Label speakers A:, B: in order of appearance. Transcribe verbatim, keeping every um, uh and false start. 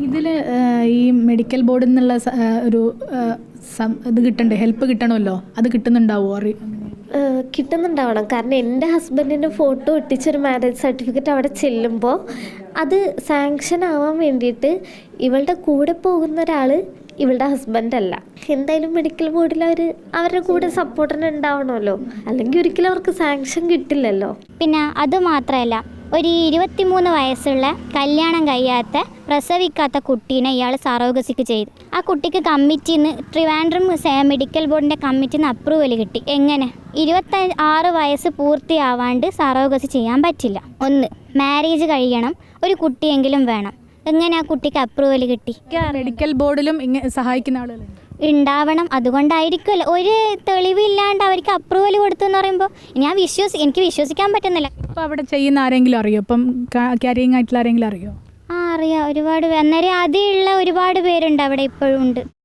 A: ഇതിൽ ഈ മെഡിക്കൽ ബോർഡിൽ നിന്നുള്ള സ- ആ, ഒരു ആ, സം- ഇത് കിട്ടണ്ടേ, ഹെൽപ്പ് കിട്ടണമല്ലോ, അത് കിട്ടുന്നുണ്ടാവുമോ അറി
B: ഏഹ് കിട്ടുന്നുണ്ടാവണം. കാരണം എൻ്റെ ഹസ്ബൻഡിൻ്റെ ഫോട്ടോ ഒട്ടിച്ചൊരു മാരേജ് സർട്ടിഫിക്കറ്റ് അവിടെ ചെല്ലുമ്പോൾ അത് സാങ്ഷൻ ആവാൻ വേണ്ടിയിട്ട് ഇവളുടെ കൂടെ പോകുന്ന ഒരാൾ ഇവളുടെ ഹസ്ബൻഡ് അല്ല. എന്തായാലും മെഡിക്കൽ ബോർഡിൽ അവർ അവരുടെ കൂടെ സപ്പോർട്ടിന് ഉണ്ടാവണമല്ലോ, അല്ലെങ്കിൽ ഒരിക്കലും അവർക്ക് സാങ്ഷൻ കിട്ടില്ലല്ലോ.
C: പിന്നെ അതുമാത്രമല്ല, ഒരു ഇരുപത്തിമൂന്ന് വയസ്സുള്ള കല്യാണം കഴിയാത്ത പ്രസവിക്കാത്ത കുട്ടീനെ ഇയാൾ സറോഗസിക്ക് ചെയ്തു. ആ കുട്ടിക്ക് കമ്മിറ്റിയിൽ നിന്ന് ട്രിവാൻഡ്രം മെഡിക്കൽ ബോർഡിൻ്റെ കമ്മിറ്റിയിൽ നിന്ന് അപ്രൂവൽ കിട്ടി. എങ്ങനെ? ഇരുപത്തി ആറ് വയസ്സ് പൂർത്തിയാവാണ്ട് സറോഗസി ചെയ്യാൻ പറ്റില്ല. ഒന്ന്, മാരേജ് കഴിയണം, ഒരു കുട്ടിയെങ്കിലും വേണം. എങ്ങനെ ആ കുട്ടിക്ക് അപ്രൂവൽ കിട്ടി?
A: മെഡിക്കൽ ബോർഡിലും ഇങ്ങനെ സഹായിക്കുന്ന ആളുകളുണ്ട്.
C: ഉണ്ടാവണം. അതുകൊണ്ടായിരിക്കുമല്ലോ ഒരു തെളിവില്ലാണ്ട് അവർക്ക് അപ്രൂവൽ കൊടുത്തു എന്ന് പറയുമ്പോൾ ഞാൻ വിശ്വസി എനിക്ക് വിശ്വസിക്കാൻ പറ്റുന്നില്ല.
A: ഇപ്പോൾ അവിടെ ചെയ്യുന്ന ആരെങ്കിലും അറിയോ? ഇപ്പം ക്യാരിങ് ആയിട്ടുള്ള ആരെങ്കിലും അറിയോ?
C: ആ അറിയാം, ഒരുപാട് പേ- അന്നേരം അതിലുള്ള ഒരുപാട് പേരുണ്ട് അവിടെ ഇപ്പോഴും ഉണ്ട്.